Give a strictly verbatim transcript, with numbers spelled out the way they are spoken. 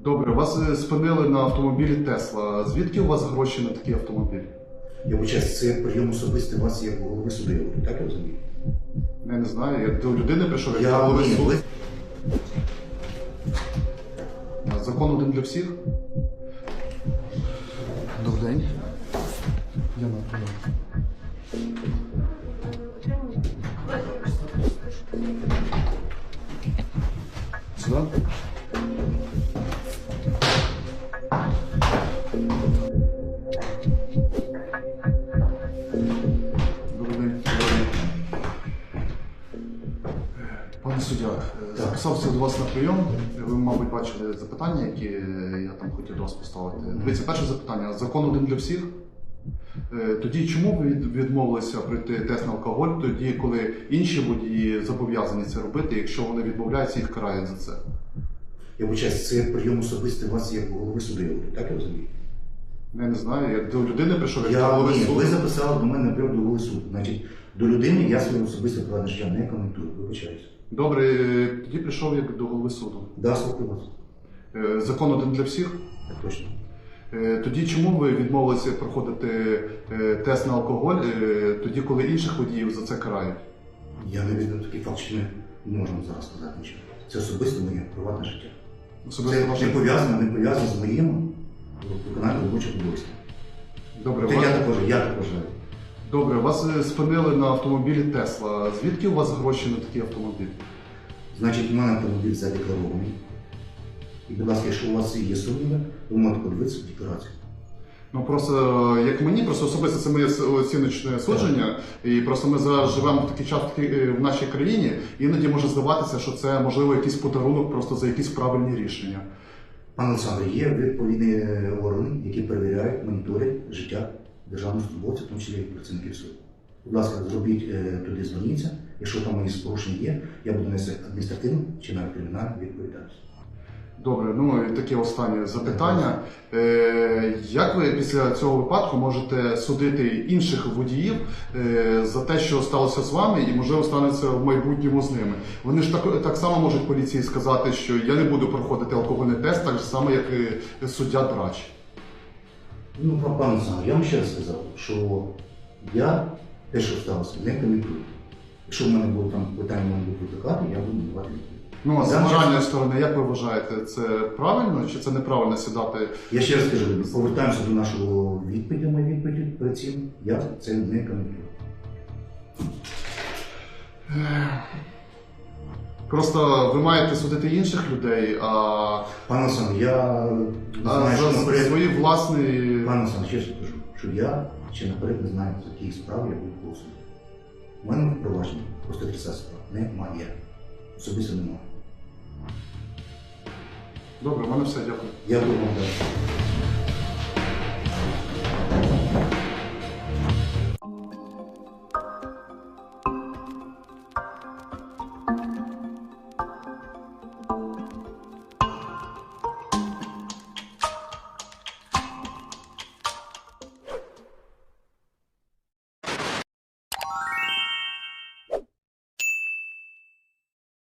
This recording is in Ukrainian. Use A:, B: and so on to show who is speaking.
A: Добре, вас е, спинили на автомобілі Тесла. Звідки у вас гроші на такий автомобіль?
B: Я вибачаюсь, це прийом особистий вас як голови суду, так я розумію?
A: Я не знаю, я до людини прийшов, як
B: Я
A: я голови
B: ні,
A: суду.
B: ви-
A: Закон один для всіх. Добрий день. Я на прийом. Сюди? Добрий день. Пане суддя, е, записався до вас на прийом. Ви, мабуть, бачили запитання, які я там хотів до вас поставити. Дивіться, перше запитання. Закон один для всіх. Е, Тоді чому ви від- відмовилися пройти тест на алкоголь, тоді, коли інші водії зобов'язані це робити, якщо вони відмовляються, їх карають за це?
B: Я вибачаюсь, це прийом особистий вас як голови суду, так я розумію?
A: Я не знаю, я до людини прийшов, як до
B: Я,
A: голови
B: ні,
A: суду.
B: ви записали до мене на прийом до голови суду. Значить, до людини я своє особисте приватне життя не коментую, вибачаюсь.
A: Добре, е, тоді прийшов як до голови суду.
B: Да, слухаю вас.
A: Е, Закон один для всіх.
B: Так точно.
A: Е, Тоді чому ви відмовилися проходити е, тест на алкоголь, е, тоді, коли інших водіїв за це карають?
B: Я не відомо такий факт, що ми не можемо зараз сказати нічого. Це особисто моє приватне життя.
A: Особисто
B: Це
A: ваше-
B: не пов'язано, не пов'язано з моїм виконанням робочих обов'язків.
A: Добре,
B: Це
A: вас...
B: я також, я також.
A: Добре, вас е, спинили на автомобілі Тесла. Звідки у вас гроші на такий автомобіль?
B: Значить, у мене автомобіль задекларований. І, будь ласка, якщо у вас є сумніви, ви можете подивитися в декларацію.
A: Ну просто е, як мені, просто особисто це моє с- оціночне судження, і просто ми зараз живемо в такий час в такій, е, в нашій країні, іноді може здаватися, що це можливо якийсь подарунок просто за якісь правильні рішення.
B: Пане Олександре, є відповідні органи, які перевіряють, моніторять життя державних службовців, в тому числі і працівників суду. Будь ласка, зробіть е, туди, зверніться. Якщо там якісь порушення є, я буду нести адміністративну чи навіть кримінальну відповідальність.
A: Добре, ну і таке останнє запитання. Е, як ви після цього випадку можете судити інших водіїв е, за те, що сталося з вами, і можливо станеться в майбутньому з ними? Вони ж так, так само можуть поліції сказати, що я не буду проходити алкогольний тест, так само, як і суддя Драч.
B: Ну, пан- пане Олександре, я вам ще раз сказав, що я те, що сталося, не коментую. Якщо в мене було там питання, мене будуть викликати, я буду давати відповідь.
A: Ну, а з
B: Я вам
A: моральної сторони, як ви вважаєте, це правильно чи це неправильно сідати?
B: Я ще раз кажу, повертаємося до нашого відповіді, моєї відповіді перед цим, я це не коментую.
A: Просто ви маєте судити інших людей, а,
B: Пане Олександр, я не
A: а
B: знаю,
A: за
B: що наперед.
A: свої власні.
B: Пане Олександр, чесно кажу, що я ще наперед не знаю, за яких справ я буду голосувати. У мене провадження по сто тридцять справ немає. Особисто немає.
A: Добре, в мене все, дякую.
B: Я буду вам дати.